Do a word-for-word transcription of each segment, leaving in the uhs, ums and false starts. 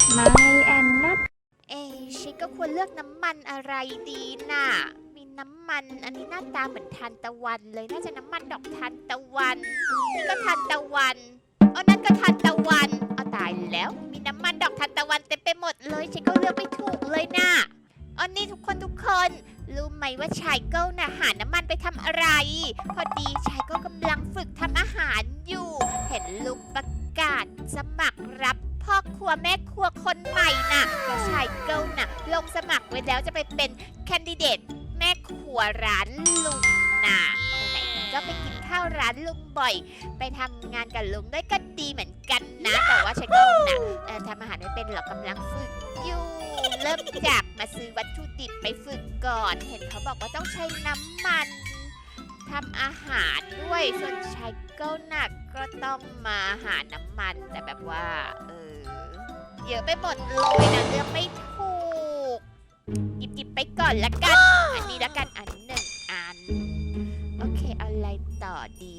ไม่แอนนัทเอชิก็ควรเลือกน้ำมันอะไรดีน่ะมีน้ำมันอันนี้หน้าตาเหมือนทานตะวันเลยน่าจะน้ำมันดอกทานตะวันนี่ก็ทานตะวันเออนั่นก็ทานตะวันเอาตายแล้วมีน้ำมันดอกทานตะวันเต็มไปหมดเลยชิก็เลือกไม่ถูกเลยน่ะอ๋อนี่ทุกคนทุกคนรู้ไหมว่าชายเกิลน่ะหาน้ำมันไปทำอะไรพอดีชายเกิลกำลังฝึกทำอาหารอยู่เห็นลุงประกาศสมัครรับพ่อครัวแม่ครัวคนใหม่น่ะแล้วชายเกิลน่ะลงสมัครไว้แล้วจะไปเป็นแคนดิเดตแม่ครัวร้านลุงน่ะไหนๆก็ไปกินข้าวร้านลุงบ่อยไปทำงานกับลุงด้วยก็ดีเหมือนกันนะแต่ว่าชายเกิลน่ะเอ่อทำอาหารไม่เป็นหรอกกำลังฝึกอยู่เริ่มจากมาซื้อวัตถุดิบไปฝึกก่อนเห็นเขาบอกว่าต้องใช้น้ำมันทำอาหารด้วยส่วนชายเกิลน่ะก็ต้องมาหาน้ำมันแต่แบบว่าเออเยอะไปหมดเลยนะเลือกไม่ถูกหยิบหยิบไปก่อนละกันอันนี้ละกันอันหนึ่งอันโอเคเอาอะไรต่อดี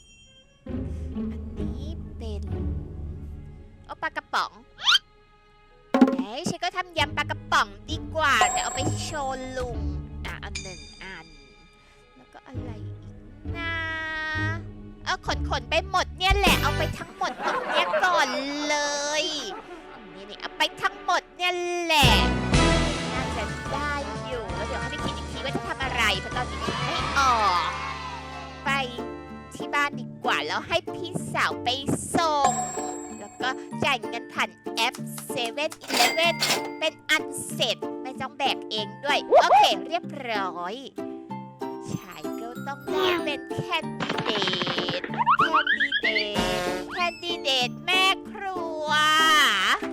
อันนี้เป็นเอาปลากระป๋องเอ้ยฉันก็ทำยำปลากระป๋องดีกว่าจะเอาไปโชว์ลุงอ่ะอันหนึ่งอันแล้วก็อะไรอีกนะเออขนขนไปหมดเนี่ยแหละเอาไปทั้งหมดตรงเนี้ยก่อนเลยนี่นี่เอาไปทั้งหมดเนี่ยแหละน่าจะได้อยู่แล้วเดี๋ยวให้ไปคิดอีกทีว่าจะทำอะไรเพราะตอนนี้คิดไม่ออกไปที่บ้านดีกว่าแล้วให้พี่สาวไปส่งแล้วก็จ่ายเงินผ่านแอปเซเว่นอีเลฟเว่นเป็นอันเสร็จไม่ต้องแบกเองด้วยโอเคเรียบร้อยชายก็ต้องได้เป็นแคนดิเดตแคนดิเดตแคนดิเดตแม่ครัวอะไร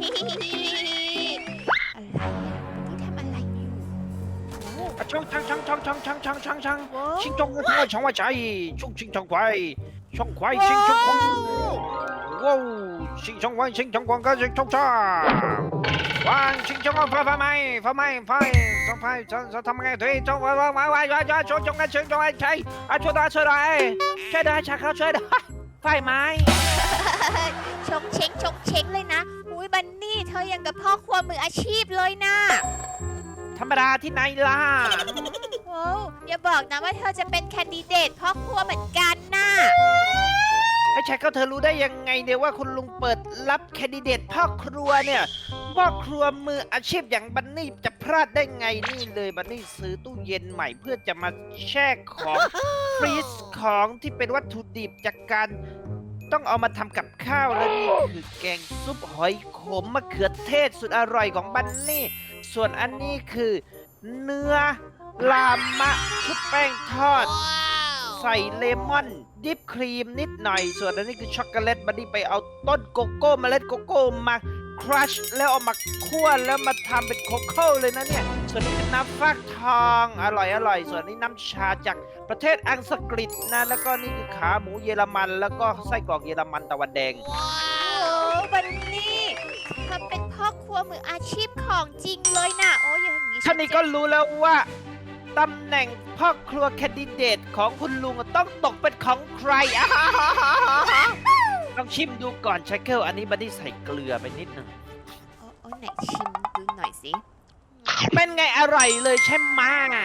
อ่ะนี่ทำอะไรอยู่โอ้啊，冲冲冲冲冲冲冲冲冲！ โว้心中快冲快chạy，冲冲冲快，冲快心冲快，哇！心冲快心冲快個心衝衝，哇！心衝快快快快快快快，衝快衝衝ทำไง對，衝快快快快快快衝衝嘅衝衝嘅chạy，啊ช่วยด้วยช่วยด้วยช่วยด้วยชักเขาช่วยด้วยไฟไหมชงเชงชงเชงเลยนะอุ้ยบันนี่เธอยังกับพ่อครัวมืออาชีพเลยนะธรรมดาที่ไหนล่ะโอ้อย่าบอกนะว่าเธอจะเป็นแคนดิเดตพ่อครัวเหมือนกันนะไอ้ชายเขาเธอรู้ได้ยังไงเนี่ยว่าคุณลุงเปิดรับแคนดิเดตพ่อครัวเนี่ยพ่อครัวมืออาชีพอย่างบันนี่จะพลาดได้ไงนี่เลยบันนี่ซื้อตู้เย็นใหม่เพื่อจะมาแช่ของ ฟรีซของที่เป็นวัตถุดิบจากการต้องเอามาทำกับข้าวและนี่คือแกงซุปหอยขมมะเขือเทศสุดอร่อยของบันนี่ส่วนอันนี้คือเนื้อลามะชุบแป้งทอด ใส่เลมอนดิปครีมนิดหน่อยส่วนอันนี้คือช็อกโกแลตบัดดี้ไปเอาต้นโกโก้เมล็ดโกโก้มาครัชแล้วเอามาคั่วแล้วมาทำเป็นโคโค่เลยนะเนี่ยส่วนนี้คือน้ำฟักทองอร่อยอร่อยส่วนนี้น้ำชาจากประเทศอังกฤษนะแล้วก็นี่คือขาหมูเยอรมันแล้วก็ไส้กรอกเยอรมันตะวันแดงโอ้บันนี่เธอเป็นพ่อครัวมืออาชีพของจริงเลยนะโอ้ยอย่างนี้ท่านนี้ก็รู้แล้วว่าตำแหน่งพ่อครัวแคนดิเดตของคุณลุงต้องตกเป็นของใครอ่ะลองชิมดูก่อนชาเคิลอันนี้บัดดี้ใส่เกลือไปนิดหนึ่งโอ้โอ้ไหนชิมดูหน่อยสิเป็นไงอร่อยเลยใช่ไหม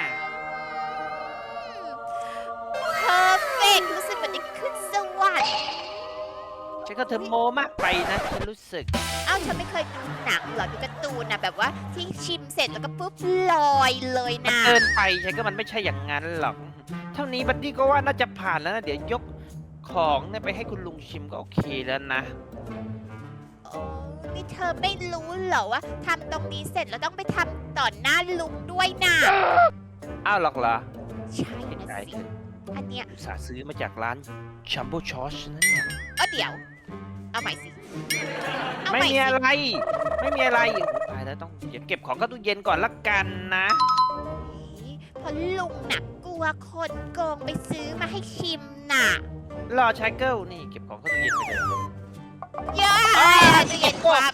เพอร์เฟกรู้สึกเหมือนได้ขึ้นสวรรค์ฉันก็เธอโมมากไปนะฉันรู้สึกเอ้าฉันไม่เคยดูหนังเหรอดูการ์ตูนนะแบบว่าที่ชิมเสร็จแล้วก็ปุ๊บลอยเลยนะเกินไปฉันก็มันไม่ใช่อย่างนั้นหรอก เท่านี้บัดดี้ก็ว่าน่าจะผ่านแล้วนะเดี๋ยวยกของเนี่ยไปให้คุณลุงชิมก็โอเคแล้วนะโอ้นี่เธอไม่รู้เหรอว่าทำตรงนี้เสร็จแล้วต้องไปทำต่อหน้าลุงด้วยนะอ้าวหรอกเหรอใช่เห็นนะใจสิเธออันเนี้ยอุตส่าห์ซื้อมาจากร้านชัมโบชอชนั่นเนี่ยเออเดี๋ยว เอาใหม่สิเอาไม่ใหม่มีสิอะไร ไม่มีอะไรตายแล้วต้องเดี๋ยวเก็บของเข้าตู้เย็นก่อนละกันนะเพราะลุงน่ะกลัวคนโกงไปซื้อมาให้ชิมน่ะรอชายเกิลนี่เก็บของเข้าตู้เย็นไปเลยเยอะอ้าวจะเย็นความ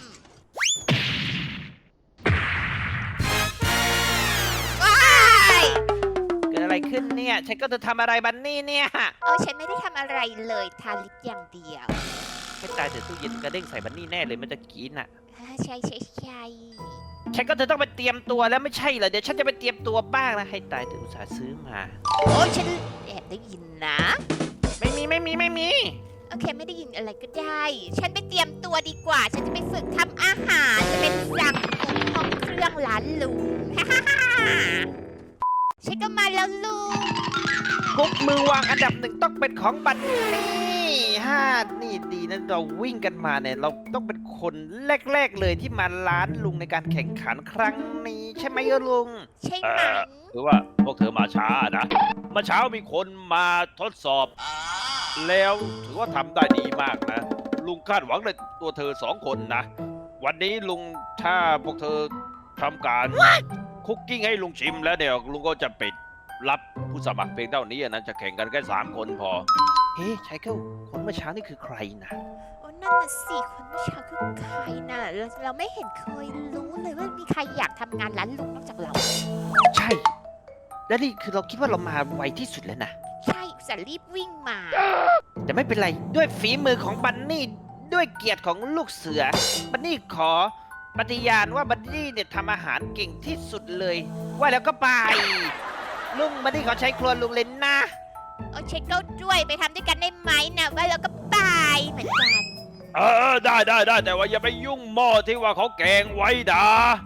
ว้ายเกิดอะไรขึ้นเนี่ยชายเกิลจะทำอะไรบันนี่เนี่ยเออฉันไม่ได้ทำอะไรเลยทาลิปอย่างเดียวไม่ตายแต่ตู้เย็นกระเด้งใส่บันนี่แน่เลยมันจะกินอ่ะเอ้ยใช่ใช่ใช่ฉันก็เธอต้องไปเตรียมตัวแล้วไม่ใช่เหรอเดี๋ยวฉันจะไปเตรียมตัวบ้างนะให้ตายเธออุตส่าห์ซื้อมาโอ้ยฉันแอบได้ยินนะไม่มีไม่มีไม่มีโอเคไม่ได้ยินอะไรก็ได้ ฉันไปเตรียมตัวดีกว่า ฉันจะไปฝึกทำอาหารจะเป็นสั่งห้องเครื่องร้านลุง ฮ่าฮ่าฮ่าฉันก็มาแล้วลุงกุ๊กมือวางอันดับหนึ่งต้องเป็นของบันนี่ห้านี่ดีนะเราวิ่งกันมาเนี่ยเราต้องเป็นคนแรกๆเลยที่มาร้านลุงในการแข่งขันครั้งนี้ใช่ไหมเออลุงใช่ไหมคือว่าพวกเธอมาช้านะเมื่อเช้ามีคนมาทดสอบ แล้วถือว่าทำได้ดีมากนะ ลุงคาดหวังในตัวเธอสองคนนะ วันนี้ลุงถ้าพวกเธอทำการคุกกิ้งให้ลุงชิมแล้วเดี๋ยวลุงก็จะปิดรับผู้สมัครเพียงเท่านี้นะจะแข่งกันแค่สามคนพอเฮ้ยชายเกิลคนเมื่อเช้านี่คือใครนะโอ้นั่นน่ะสิคนเมื่อเช้าคือใครน่ะเราเราไม่เห็นเคยรู้เลยว่ามีใครอยากทำงานร้านลุงนอกจากเราใช่ และนี่คือเราคิดว่าเรามาไวที่สุดแล้วนะใช่อุตส่าห์รีบวิ่งมาแต่ไม่เป็นไรด้วยฝีมือของบันนี่ด้วยเกียรติของลูกเสือ บันนี่ขอปฏิญาณว่าบันนี่เนี่ยทำอาหารเก่งที่สุดเลย ว่าแล้วก็ไป ลุงบันนี่ขอใช้ครัวลุงเลยนะโอ้เช็คเก้าด้วยไปทำด้วยกันได้ไหมนะว่าเราก็ไปเหมือนกันเออได้ได้ได้แต่ว่าอย่าไปยุ่งหม้อที่ว่าเขาแกงไว้ดา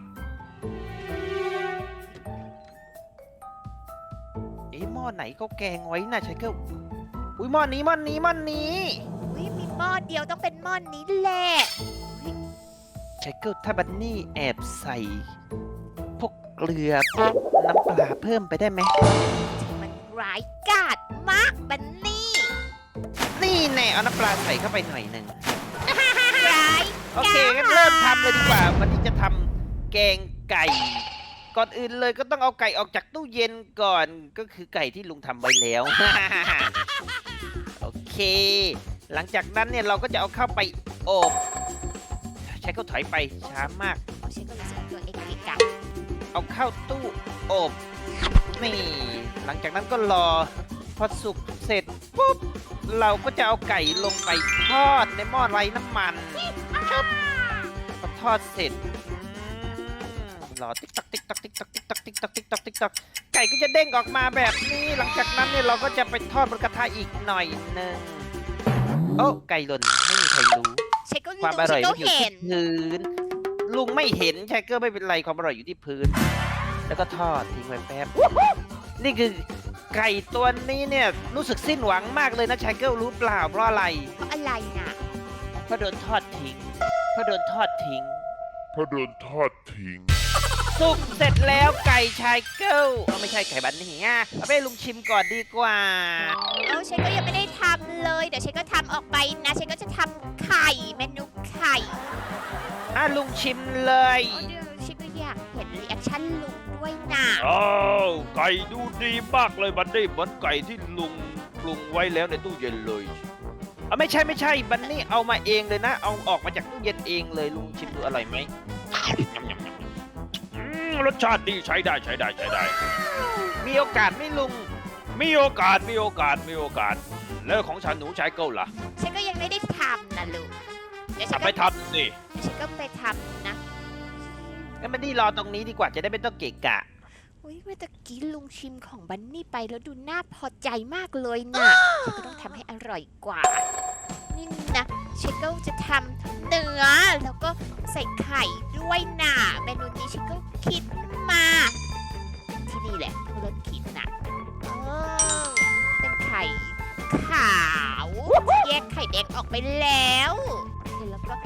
เอ๊ะหม้อไหนก็แกงไว้นะชายเกิลอุ้ยหม้อนี้หม้อนี้หม้อนี้อุ้ยมีหม้อเดียวต้องเป็นหม้อนนี้แหละชายเกิลถ้าบันนี่แอบใส่พวกเกลือพวกน้ำปลาเพิ่มไปได้ไหมมันร้ายกาจมากบันนี่นี่แน่เอาน้ำปลาใส่เข้าไปหน่อยหนึ่งร้ายโอเคงั้นเริ่มทำเลยดีกว่า วันนี้จะทำแกงไก่ ก่อนอื่นเลยก็ต้องเอาไก่ออกจากตู้เย็นก่อน ก็คือไก่ที่ลุงทำไว้แล้ว โอเค หลังจากนั้นเนี่ยเราก็จะเอาเข้าไปอบใช้เขาถอยไปช้ามากโอ้เช็คเก้ารู้สึกตัวเองเกะกะเอาเข้าตู้อบนี่ หลังจากนั้นก็รอ พอสุกเสร็จปุ๊บ เราก็จะเอาไก่ลงไปทอดในหม้อไร้น้ำมันพอทอดเสร็จอืมรอติ๊กตักติ๊กตักติ๊กตักติ๊กตักติ๊กตักติ๊กตักติ๊กตักไก่ก็จะเด้งออกมาแบบนี้ หลังจากนั้นเนี่ยเราก็จะไปทอดบนกระทะอีกหน่อยหนึ่งโอ้ไก่หล่นไม่มีใครรู้เช็คเก้าความอร่อยเช็คมันเก้าอยู่เห็ที่นพื้น ลุงไม่เห็นชายเกอร์ไม่เป็นไรความอร่อยอยู่ที่พื้น แล้วก็ทอดทิ้งไว้แป๊บ นี่คือไก่ตัวนี้เนี่ยรู้สึกสิ้นหวังมากเลยนะชายเกิลรู้เปล่าเพราะอะไรเพราะอะไรน่ะเพราะโดนทอดทิ้งเพราะโดนทอดทิ้งเพราะโดนทอดทิ้งสุกเสร็จแล้วไก่ชายเกิลเอาไม่ใช่ไก่บันนี่อ่ะเอาไปให้ลุงชิมก่อนดีกว่าเอาเช็คก็ยังไม่ได้ทำเลย เดี๋ยวเช็คก็ทำออกไปนะเช็คก็จะทำไข่เมนูไข่อ่ะลุงชิมเลยโอ้เดี๋ยวเช็คก็อยากเห็นรีแอคชั่นลุงด้วยน่ะอ้าวไก่ดูดีมากเลยบันนี่เหมือนไก่ที่ลุงปรุงไว้แล้วในตู้เย็นเลยเอาไม่ใช่ไม่ใช่บันนี่เอามาเองเลยนะ เอาออกมาจากตู้เย็นเองเลยลุงชิมดูอร่อยไหมยำยำยำยำอืมรสชาติดีใช้ได้ใช้ได้ใช้ได้มีโอกาสไหม่ลุงมีโอกาสมีโอกาสมีโอกาส แล้วของฉันหนูใช้เก้าล่ะเช็คก็ยังไม่ได้ทำนะลุงเดี๋ยวเช็คทำไปก็ทำสิเดี๋ยวเช็คก็ไปทำนะงั้นบันนี่รอตรงนี้ดีกว่าจะได้ไม่ต้องเกะกะอุ้ยเมื่อตะกี้ลุงชิมของบันนี่ไปแล้วดูน่าพอใจมากเลยน่ะเช็คก็ต้องทำให้อร่อยกว่า นี่นะเชคก็จะทำเนื้อแล้วก็ใส่ไข่ด้วยน่ะเมนูนี้เชคก็คิดมา ที่นี่แหละเริ่มคิดน่ะเออเป็นไข่ขาวแยกไข่แดงออกไปแล้วโอเคแล้วก็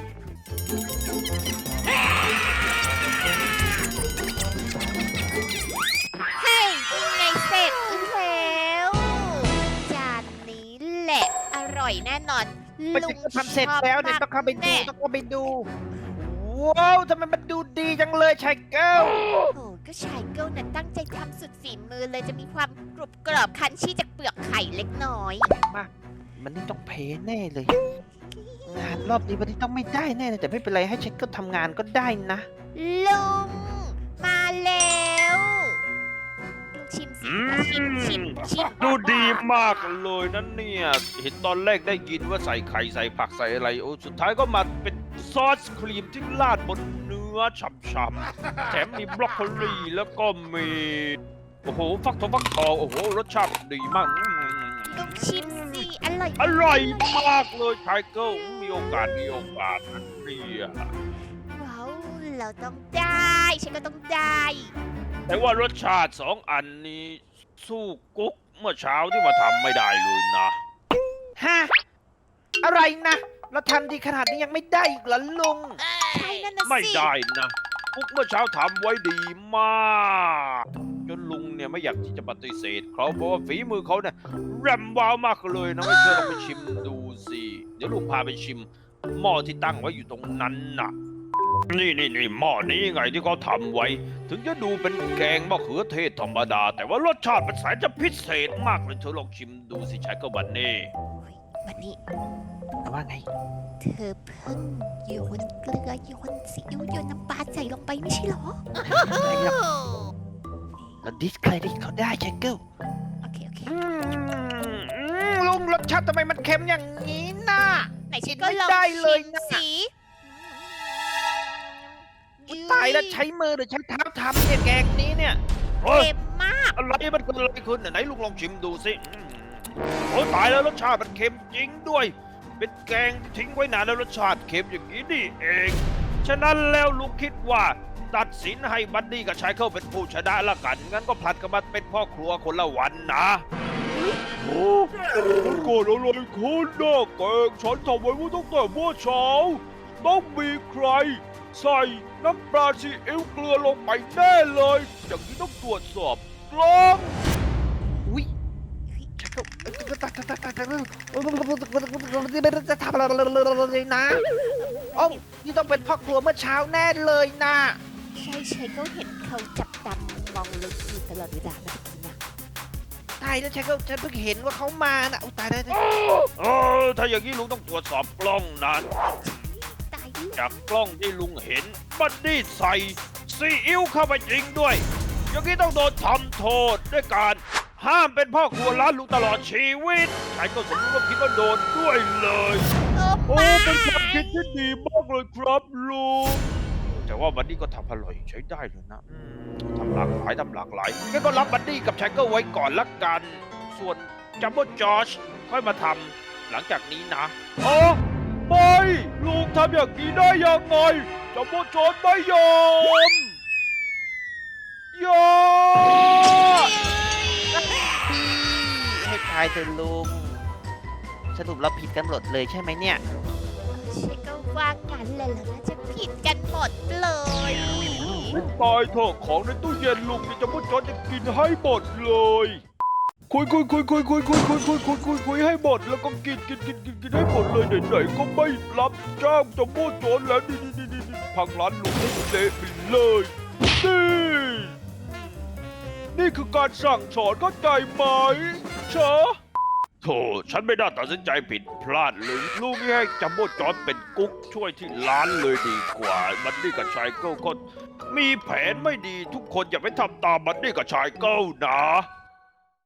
เฮ้ยยังไงเสร็จแล้วจานนี้แหละอร่อยแน่นอนมันลุจะงทำเสร็จแล้วเนี่ยชบต้องเข้าไปดูแน่ต้องเข้าไปดู ว้าวทำไมมันดูดีจังเลยชายเกิลโอ้ก็ชายเกิลนั้นตั้งใจทำสุดฝีมือเลยจะมีความกรุบกรอบคันชี่จากเปลือกไข่เล็กน้อยมันนี่ต้องเพแน่เลย งานรอบนี้วันนี้ต้องไม่ได้แน่เลยแต่ไม่เป็นไรให้ชายเกิลทำงานก็ได้นะลุงมาแล้วลุงชิมสิอืชิมชิมมชิมดูดีมากเลยนั่นเนี่ย เห็นตอนแรกได้ยินว่าใส่ไข่ใส่ผักใส่อะไรโอ้สุดท้ายก็มาเป็นซอสครีมที่ราดบนเนื้อฉ่ำๆแถมมีบรอกโคลีแล้วก็มีโอ้โหฟักทองฟักทองโอ้โหรสชาติดีมากอืมลุงชิมสิอร่อยอร่อยมากเลยไทเกิลมีโอกาสมีโอกาสนะเนี่ยว้าวเราต้องได้ฉันก็ต้องได้แต่ว่ารสชาติสองอันนี้สู้กุ๊กเมื่อเช้าที่มาทำไม่ได้เลยนะฮะ อะไรนะ เราทำดีขนาดนี้ยังไม่ได้อีกเหรอลุงใช่นั่นนะไม่สิได้นะกุ๊กเมื่อเช้าทำไว้ดีมากจนลุงเนี่ยไม่อยากที่จะปฏิเสธเขาเพราะว่าฝีมือเขาเนี่ยแรมว้าวมากเลยนะไม่เชื่อลองไปชิมดูสิเดี๋ยวลุงพาไปชิมหม้อที่ตั้งไว้อยู่ตรงนั้นน่ะ นี่นี่นี่หม้อนี้ไงที่เขาทำไว้ ถึงจะดูเป็นแกงมะเขือเทศธรรมดา แต่ว่ารสชาติมันแสนจะพิเศษมากเลยเธอลองชิมดูสิชายก็บันนี่วันนี้ว่าไงเธอเพิ่งโยนเกลือโยนซีอิ๊วโยนน้ำปลาใส่ลงไปไม่ใช่เหรอเราดิสเครดิตเขาได้เชคเกิลโอเคโอเคอืมอืมลุงรสชาติทำไมมันเค็มอย่างนี้น่ะไหนฉันก็ลองไม่ได้เลยชิมนะสิอุ๊ยตายแล้วใช้มือหรือใช้เท้าทำเนี่ยแกงนี้เนี่ยเฮ้ยเค็มมากอะไรมันเกิดอะไรขึ้นไหนลุงลองชิมดูสิอืมโอ้ตายแล้วรสชาติมันเค็มจริงด้วย เป็นแกงที่ทิ้งไว้นานแล้วรสชาติเค็มอย่างนี้นี่เอง ฉะนั้นแล้วลุงคิดว่า ตัดสินให้บัดดี้กับชายเคิลเป็นผู้ชนะละกัน งั้นก็ผลัดกันมาเป็นพ่อครัวคนละวันนะ โอ้มันเกิดอะไรขึ้นนะแกงฉันทำไว้ว่าตั้งแต่เมื่อเช้า ต้องมีใคร ใส่น้ำปลาซีอิ๊วเกลือลงไปแน่เลย อย่างนี้ต้องตรวจสอบกล้องอุ้ยเชคเกิลจะทำอะไรเลยนะโอ้านี่ต้องเป็นพ่อครัวเมื่อเช้าแน่เลยนะใช่ใช่ก็เห็นเขาจับตามมองเราอยู่ตลอดเวลานะพี่นะตายแล้วเชคเกิลฉันเพิ่งเห็นว่าเขามานะอุ๊ยตายแล้วเออถ้าอย่างนี้ลุงต้องตรวจสอบกล้องนะตายดิจากกล้องที่ลุงเห็นบัดดี้ใส่ซีอิ๊วเข้าไปจริงด้วย อย่างนี้ต้องโดนทำโทษด้วยการห้ามเป็นพ่อครัวร้านลุงตลอดชีวิตชายก็สมรู้ร่วมคิดว่าโดนด้วยเลยโอ้โอ้ไม่เป็นความคิดที่ดีมากเลยครับลุง แต่ว่าบัดดี้ก็ทำอร่อยใช้ได้เลยนะอืมทำหลากหลายทำหลากหลายงั้นก็รับบัดดี้กับชายเกิลไว้ก่อนละกัน ส่วนจัมโบ้จอร์จค่อยมาทำหลังจากนี้นะอ๋อไม่ลุงทำอย่างนี้ได้ยังไงจัมโบ้จอร์จไม่ยอมยอมให้ทายเถอะลุง สรุปเราผิดกันหมดเลยใช่ไหมเนี่ยใช่ก็ว่างั้นเลยเหรอน่าจะผิดกันหมดเลยตายเถอะของในตู้เย็นลุงนี่จัมโบ้จอร์จจะกินให้หมดเลย คุยคุยคุยคุยคุยคุยคุยคุยคุยคุยคุยให้หมดแล้วก็กินกินกินกินกินให้หมดเลยไหนๆก็ไม่รับจ้างจัมโบ้จอร์จแล้วนี่นี่นี่นี่พังร้านลุงให้เละไปเลยนี่นี่คือการสั่งสอนเข้าใจไหมเชอะโธ่ฉันไม่ได้ตัดสินใจผิดพลาดเลยลูกนี่ให้จัมโบ้จอร์จเป็นกุ๊กช่วยที่ร้านเลยดีกว่าบัดดี้กับชายเกิลก็มีแผนไม่ดีทุกคนอย่าไปทำตามบัดดี้กับชายเกิลนะ